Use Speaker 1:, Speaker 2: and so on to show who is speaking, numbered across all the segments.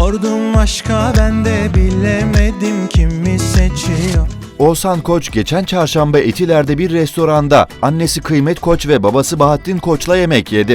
Speaker 1: Sordum aşka ben de bilemedim kimi seçiyor.
Speaker 2: Oğuzhan Koç geçen çarşamba Etiler'de bir restoranda annesi Kıymet Koç ve babası Bahattin Koç'la yemek yedi.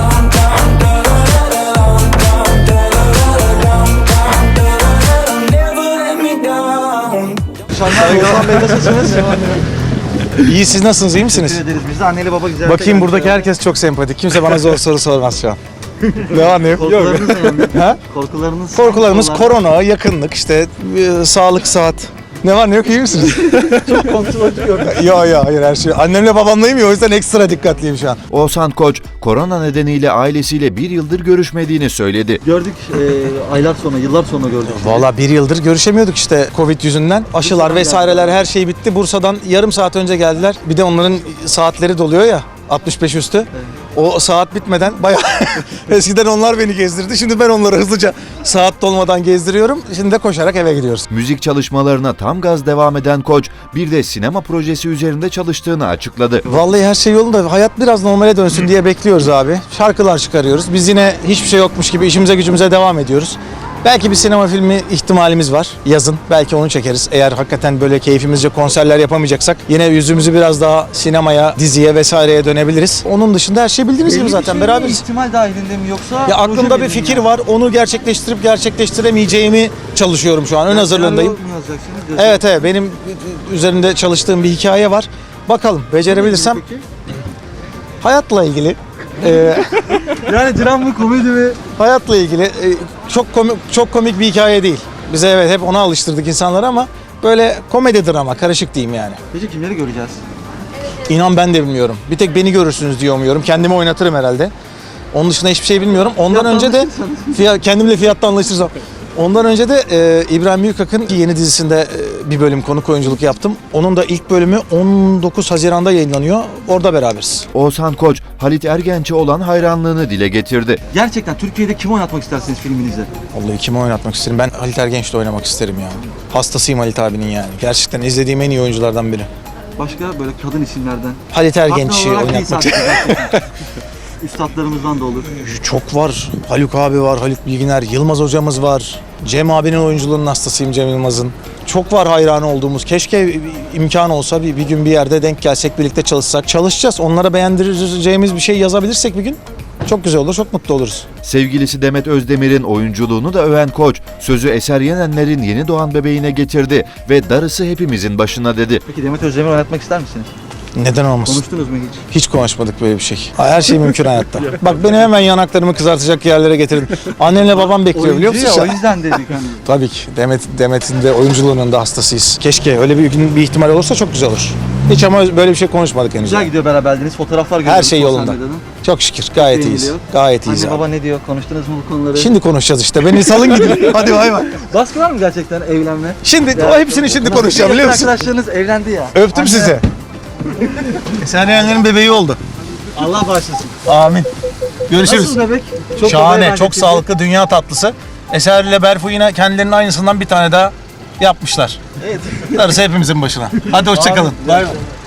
Speaker 3: Oğuzhan Bey nasılsınız? İyi, siz nasılsınız? İyi misiniz?
Speaker 4: Teşekkür ederiz. Biz de anneli baba güzel.
Speaker 3: Bakayım buradaki herkes çok sempatik. Kimse bana zor soru sormaz şu an. Ne var ne yok?
Speaker 4: Korkularınız önemli.
Speaker 3: Ha? Korkularımız korona, yakınlık, işte sağlık, saat. Ne var ne yok, iyi misiniz?
Speaker 4: Çok kontrollü gördüm.
Speaker 3: Yo hayır, her şey. Annemle babamlayım ya, o yüzden ekstra dikkatliyim şu an.
Speaker 2: Oğuzhan Koç korona nedeniyle ailesiyle bir yıldır görüşmediğini söyledi.
Speaker 4: Gördük aylar sonra, yıllar sonra gördük.
Speaker 3: Valla bir yıldır görüşemiyorduk işte Covid yüzünden. Aşılar vesaireler her şey bitti. Bursa'dan yarım saat önce geldiler. Bir de onların saatleri doluyor ya, 65 üstü. Evet. O saat bitmeden bayağı eskiden onlar beni gezdirdi. Şimdi ben onları hızlıca saat dolmadan gezdiriyorum. Şimdi de koşarak eve gidiyoruz.
Speaker 2: Müzik çalışmalarına tam gaz devam eden Koç bir de sinema projesi üzerinde çalıştığını açıkladı.
Speaker 3: Vallahi her şey yolunda. Hayat biraz normale dönsün diye bekliyoruz abi. Şarkılar çıkarıyoruz. Biz yine hiçbir şey yokmuş gibi işimize gücümüze devam ediyoruz. Belki bir sinema filmi ihtimalimiz var yazın. Belki onu çekeriz. Eğer hakikaten böyle keyfimizce konserler yapamayacaksak yine yüzümüzü biraz daha sinemaya, diziye vesaireye dönebiliriz. Onun dışında her şey bildiğiniz gibi zaten beraberiz.
Speaker 4: İhtimal dahilinde mi yoksa?
Speaker 3: Ya aklımda bir fikir var. Onu gerçekleştirip gerçekleştiremeyeceğimi çalışıyorum şu an. Ön hazırlığındayım. Evet, benim üzerinde çalıştığım bir hikaye var. Bakalım becerebilirsem. Hayatla ilgili.
Speaker 4: Yani dram mı, komedi mi?
Speaker 3: Hayatla ilgili çok komik bir hikaye değil. Bize evet hep ona alıştırdık insanları ama böyle komedi drama, karışık diyeyim yani.
Speaker 4: Peki kimleri göreceğiz?
Speaker 3: İnan ben de bilmiyorum. Bir tek beni görürsünüz diye umuyorum. Kendimi oynatırım herhalde. Onun dışında hiçbir şey bilmiyorum. Ondan önce de kendimle fiyatta anlaşırsam. Ondan önce de İbrahim Büyükak'ın yeni dizisinde bir bölüm konuk oyunculuk yaptım. Onun da ilk bölümü 19 Haziran'da yayınlanıyor. Orada beraberiz.
Speaker 2: Oğuzhan Koç, Halit Ergenç'e olan hayranlığını dile getirdi.
Speaker 4: Gerçekten Türkiye'de kimi oynatmak istersiniz filminizde?
Speaker 3: Vallahi kimi oynatmak isterim? Ben Halit Ergenç'le oynamak isterim ya. Hastasıyım Halit abinin yani. Gerçekten izlediğim en iyi oyunculardan biri.
Speaker 4: Başka böyle kadın isimlerden?
Speaker 3: Halit Ergenç'i oynatmak isterim.
Speaker 4: Üstadlarımızdan da olur.
Speaker 3: Çok var. Haluk abi var, Haluk Bilginer, Yılmaz hocamız var. Cem abinin oyunculuğunun hastasıyım, Cem Yılmaz'ın. Çok var hayranı olduğumuz. Keşke imkan olsa bir gün bir yerde denk gelsek, birlikte çalışsak. Çalışacağız. Onlara beğendireceğimiz bir şey yazabilirsek bir gün çok güzel olur, çok mutlu oluruz.
Speaker 2: Sevgilisi Demet Özdemir'in oyunculuğunu da öven Koç, sözü Eser Yenenler'in yeni doğan bebeğine getirdi ve darısı hepimizin başına dedi.
Speaker 4: Peki Demet Özdemir'i oynatmak ister misiniz?
Speaker 3: Neden olmasın?
Speaker 4: Konuştunuz mu hiç?
Speaker 3: Hiç konuşmadık böyle bir şey. Her şey mümkün hayatta. Bak beni hemen yanaklarımı kızartacak yerlere getirdin. Annemle babam bekliyor biliyor musun?
Speaker 4: O yüzden dedik hani.
Speaker 3: Tabii ki. Demet'in de oyunculuğunun da hastasıyız. Keşke öyle bir ihtimal olursa çok güzel olur. Hiç ama böyle bir şey konuşmadık henüz.
Speaker 4: Güzel gidiyor beraberliğiniz. Fotoğraflar görüyoruz.
Speaker 3: Her şey yolunda. Çok şükür. Gayet iyiyiz. Gayet iyiyiz.
Speaker 4: Anne baba ne diyor? Konuştunuz mu bu konuları?
Speaker 3: Şimdi konuşacağız işte. Beni salın gidin. Hadi bay bay.
Speaker 4: Baskı var mı gerçekten evlenme?
Speaker 3: Şimdi o hepsini şimdi konuşacağım biliyor musun?
Speaker 4: Arkadaşlarınız evlendi ya.
Speaker 3: Öptüm sizi. Eser Yenenler'in bebeği oldu.
Speaker 4: Allah bağışlasın.
Speaker 3: Amin. Görüşürüz.
Speaker 4: Nasıl bebek? Çok
Speaker 3: şahane, çok sağlıklı, dünya tatlısı. Eser ile Berfu yine kendilerinin aynısından bir tane daha yapmışlar. Evet. Darısı hepimizin başına. Hadi hoşça kalın.
Speaker 4: Bay bay.